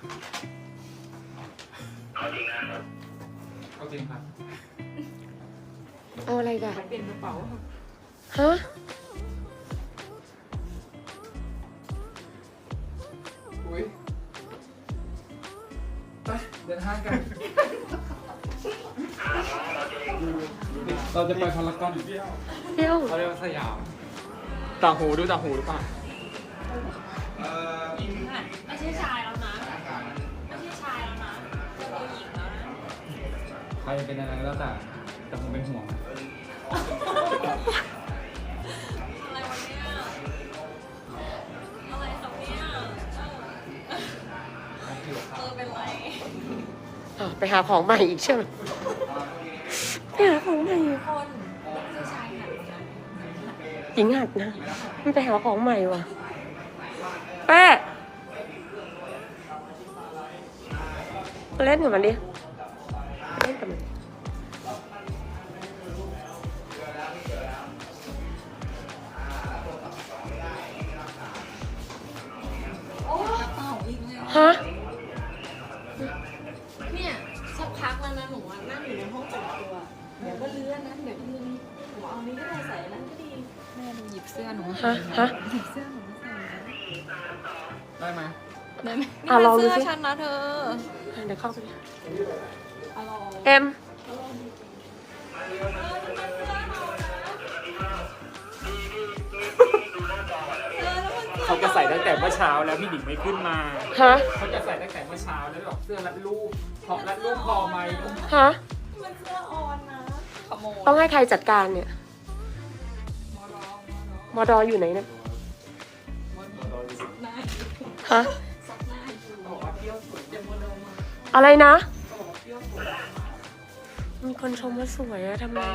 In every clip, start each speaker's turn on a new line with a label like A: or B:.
A: เอาจริงนะเอาจริงครับ
B: เอาอะไรกัน
C: เป็นกระเป๋า
B: ฮะ
A: อุ้ยไปเดินห้างกันเราจะไปพารากอน
B: เที่ยว
A: เขาเรียกว่าสยามต่างหูดูต่างหูหรือเปล่า
C: ไม่ใช่ชายแล้วนะไม่ใช่ชายแล้วนะเป็นผู้หญิงแล้วนะ
A: ใครเป็นอะไรแล้วแต่ผมเป็นห่วง
C: อะไรวะเนี่ยอะไรครับเนี่ยเป็นไร
B: ไปหาของใหม่อีกใช่ไหมไปหาของใหม่อีก
C: คนไม่ใช่ชายหันนะ
B: หญิงหัดนะมันไปหาของใหม่ว่ะแป้เล่นกับมันดิเล่นกับมัน
C: โอ้กระเป๋าอีกเลย
B: ฮะ
C: เนี่ยสักพักแล้วนะหนูนั่งอยู่ในห้องแต่งตัวเดี๋ยวก็เลื่อนนะเดี๋ยวก็เลื่อนนี่หนูเอานี้ก็ได้ใส่นั้นก็ดีแม่หนูหยิบเสื้อหนูมาใส่หยิบเสื้อหนูมาใส่
A: ได้ไหม
C: ได้ไหมนี่มันเสื้อฉันนะเธอ
B: เดี๋ยวเข้าไป
C: เอ็ม
A: เขาจะใส่ตั้งแต่เมื่อเช้าแล้วพี่หนิงไม่ขึ้นมา
B: ฮะ
A: เขาจะใส่ตั้งแต่เมื่อเช้าแล้วแบบเสื้อรัดรูปพอรัดรูปพอไหม
B: ฮะ
C: มันเสื้อออนนะขโมย
B: ต้องให้ใครจัดการเนี่ยมอดออยู่ไหนเนี่ยฮะอะไรนะมีคนชมว่าสวยอะทำไม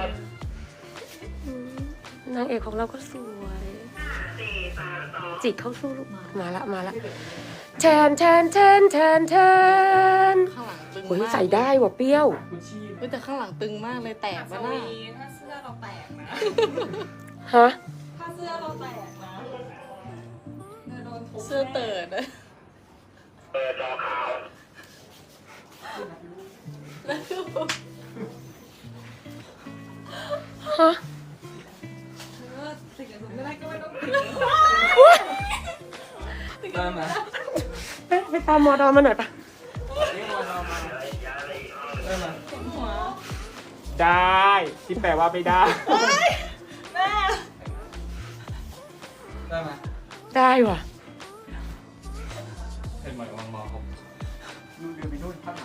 B: นางเอกของเราก็สวยจิตเข้าสู้ลูกมาละแทนข้างหลังตึงโอ้ยใส่ได้ว่ะเปรี้ยว
C: แต่ข้างหลังตึงมากเลยแตกวะน่ะถ้าเสื้อเราแตกนะ
B: ฮะ
C: ถ้าเสื้อเราแตกนะเสื้อเติร์ดนะจอขาว
B: ฮะ
C: สิ่งอื่นไม่ได้ก็ไม่ต้อง
A: ได้ไหม
B: ไปตามมอดอมาหน่อยปะ
A: ได้ไหมได้ที่แปลว่าไม่ได้
C: แม่
A: ได้ไหม
B: ได้ว่ะ
A: เป็นหมายวังมอครับนู่นเดินไปนู่นพักหลัง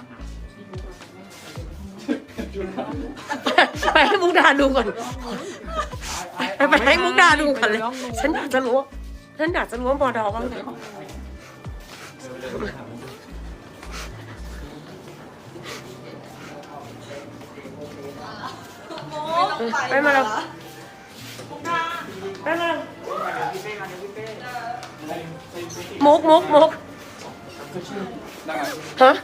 B: ไปให้มุกดาดูก่อนไปให้มุกดาดูก่อนเลยฉันอยากจะรู้ว่ามอดอบ้างเลยไปมาแล้วไปมามุกฮะ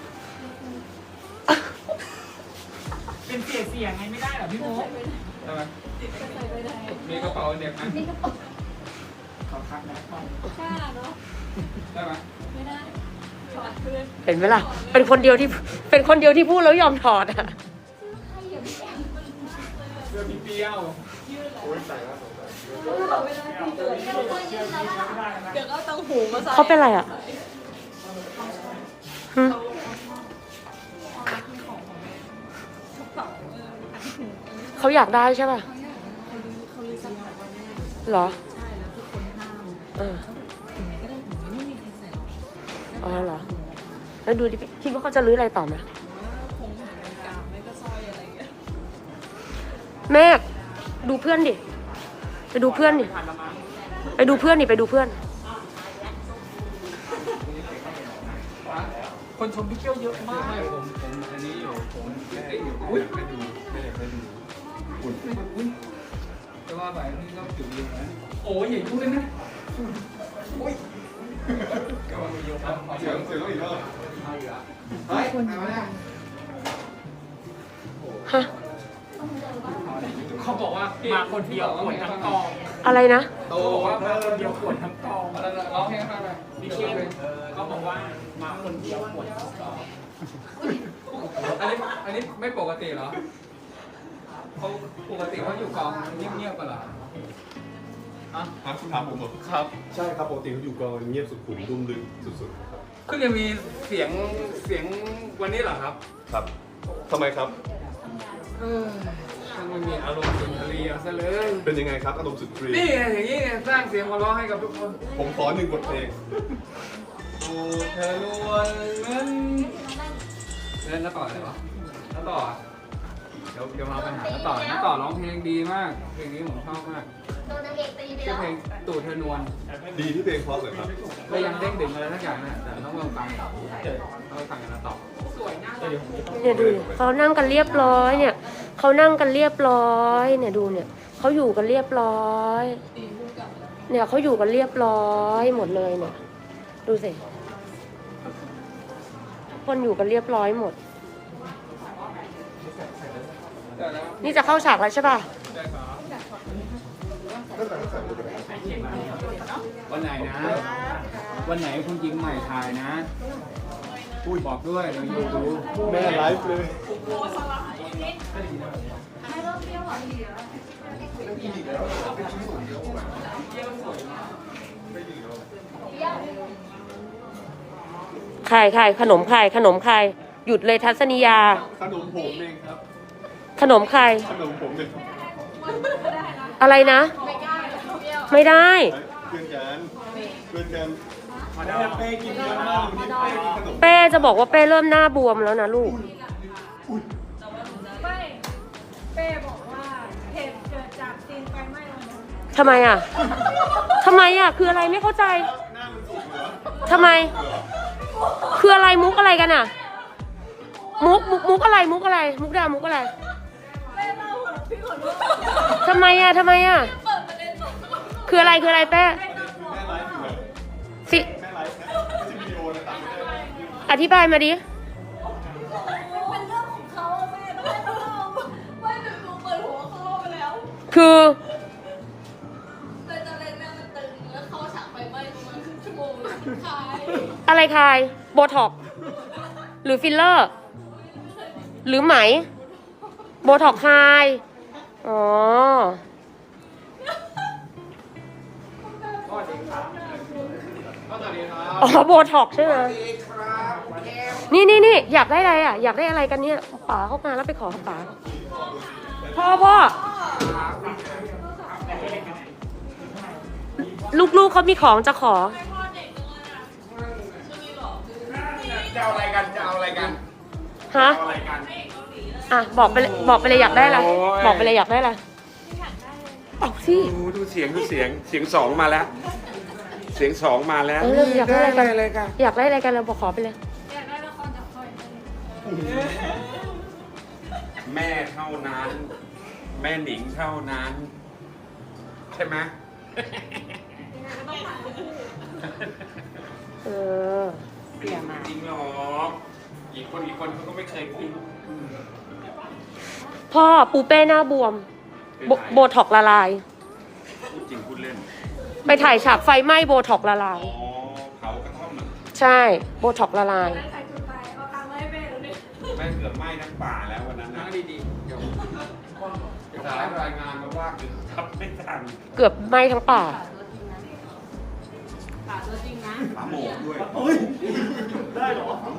A: เป็นเสียงไงไม่ได้หรอพี่โมกได้ไหมมีกระเป๋าเด็กนะขอคัดนะ
C: กล้าเนาะ
A: ได้ไหม
C: ไม่ได้ถอดเพื่อน
B: เห็นไหมล่ะเป็นคนเดียวที่พูดแล้วยอมถอดอ่ะ
A: เสื้อพี่เปรี้ยวโอ้ยใส่แล้ว
C: เดี๋ยวก็ต้องหูมาใส่
B: เขาเป็นอะไรอ่ะเขาอยากได้ใช่ป่ะเหรออ๋อเหรอแล้วดูดิคิดว่าเขาจะรื้ออะไรต่อไหมแม่ดูเพื่อนดิไปดูเพื่อน
A: คนชมพี่เกี้ยวเยอะมากผมอันนี้อยู่ผมได้อยู่อุ้ยไปดูไม่ได้ไปดูอุ้ยจะว่าไปนี่ก็จุดเดียวนะโอ้ยอย่ายุ่งเลยนะอุ้ยเสียงอีกแล้วเฮ้ยมาเนี่ย
B: ฮะ
A: เขาบอกว่ามาคนเดียวปวดทั้งกอง
B: อะไรนะ
A: โตบอกว่ามาคนเดียวปวดทั้งกองอะไรร้องเพลงให้ฟังหน่อยพี่เคียนเขาบอกว่ามาคนเดียวปวดทั้งกองอันนี้ไม่ปกติเหรอเขาปกติเขาอยู่กองเงียบๆกันเหรอ
D: ครับคุณถามผมเหรอ
A: ครับ
D: ใช่ครับปกติเขาอยู่กองเงียบสุขุมดุ้มลึกสุดๆครับ
A: ก็ยังมีเสียงวันนี้เหรอครับ
D: ครับทำไมครับ
A: ช่างไม่มีอารมณ์สุนทรีย์เอาซะเลย
D: เป็นยังไงครับอารมณ์สุดฟรี
A: นี่ไงอย่างนี้ไงสร้างเสียงหัวเราะให้กับทุกคน
D: ผมขอ1 บทเพลง
A: ดูเธอล้วนเงินแล้วต่ออะไรวะแล้วต่อเดี๋ยวมาปัญหาแล้วต่อร้องเพลงดีมากเพลงนี้ผมชอบมากชื่อเพลงตู่เธอนวล
D: ดีที่เพลงเพราะเลยครับ
A: ก็ยังเด้งดึงอะไรสักอย่างนะแต่ต้องลองฟังต้องไปฟังกันแล้วต่อ
B: เนี่ยดูดิเขานั่งกันเรียบร้อยเนี่ยเขานั่งกันเรียบร้อยเนี่ยดูเนี่ยเขาอยู่กันเรียบร้อยเนี่ยเขาอยู่กันเรียบร้อยหมดเลยเนี่ยดูสิคนอยู่กันเรียบร้อยหมดนี่จะเข้าฉากแล้วใช่ป่ะ
A: วันไหนนะ วันไหนคุณยิงใหม่ถ่ายนะบอกด้วยเดี๋ยวอยู่ดู
D: แม่ไลฟ์เลย
B: ใครขนมใครหยุดเลยทัศนียา
D: ขนมผมเองครับ
B: ขนมใคร
D: ขนมผมเอง
B: อะไรนะ ไม่ได้
D: เพื่อนกันมาดามเป้กินเยอะมากวันนี้เป้กินขนม
B: เป้จะบอกว่าเป้เริ่มหน้าบวมแล้วนะลูก
C: ไม่เป้บอกว่าเหตุเกิดจากซีนไฟไหม้วันนั้น
B: ทำไมอ่ะ คืออะไรไม่เข้าใจ
D: หน้ามันสุกเหรอ
B: ทำไม คืออะไรมุกอะไรกันอ่ะ มุกอะไร มุกดามุกอะไร
C: เป้เล่าหัวพี่หัวลูก
B: ทำไมอ่ะ
C: เปิดประเด็นสด
B: คืออะไรเป้
D: แม่ไลฟ์อยู่เหรอ
B: สิ
D: แม่ไลฟ์นะไม่ใช่วิดีโอนะตัดไม่ได้
B: อธิบายมาดิ
C: เป็นเรื่องของเขาแม่ต้องให้เขาเล่าว่าหนูเปิดหัวเขาเล่าไปแล้ว
B: คือ
C: เลยตอนแรกแม่มันตึงแล้วเข้าฉากไฟไหม้ประมาณครึ่งชั่วโมงเลยคาย
B: อะไรคาย โบท็อกซ์หรือฟิลเลอร์ หรือไหม โบท็อกซ์คาย อ๋อ
A: สวัสดีครับสวัสดีครับ
B: อ๋อ โบท็อกซ์ใช่ไหมนี่อยากได้อะไรอ่ะ อยากได้อะไรกันเนี่ยป๋าเข้ามาแล้วไปขอป๋าพ่อ ลูกๆเขามีของจะขอ
A: จะเอาอะไรกัน
B: ฮะ อ่ะ บอกไปเลยอยากได้อะไร บอกไปเลยอยากได้อะไรเอาสิ
E: ดูเสียงสองมาแล้วเสียงสองมาแล้ว
B: เริ่มอยากได้อะไรกัน
E: เลยกัน
B: อยากได้อะไรกันเราบอกขอไปเลย
C: อยากได้ละครจากคอย
E: แม่เท่านั้น แม่หนิงเท่านั้น ใช่ไหม
B: เออ
E: จริงหรอกอีกคนเขาก็ไม่เคยคิด
B: พ่อปูเป้หน้าบวม โบท็อกซ์ละลาย
E: พูดจริงพูดเล่น
B: ไปถ่ายฉากไฟไหม้โบท็อกซ์ละลาย
E: อ๋อเผากระท่อมน่ะ
B: ใช่ โบท็อกซ์ละลาย
C: ได้ใครจุดไปเอาตังค์มาให้แม่ดูดิ
E: แม่งเกือบไหม้ทั้งป่าแล้ววันนั้น
A: นั่
E: นะ
A: งดีๆเดี๋ยว
E: เดี๋ยวรายงานมาว่าคือทับไม่ทัน
B: เกือบไหม้ทั้งป่า
C: ป่าตัวจริงนะ
E: ปลาหมกด้วย
D: ได้เหรอ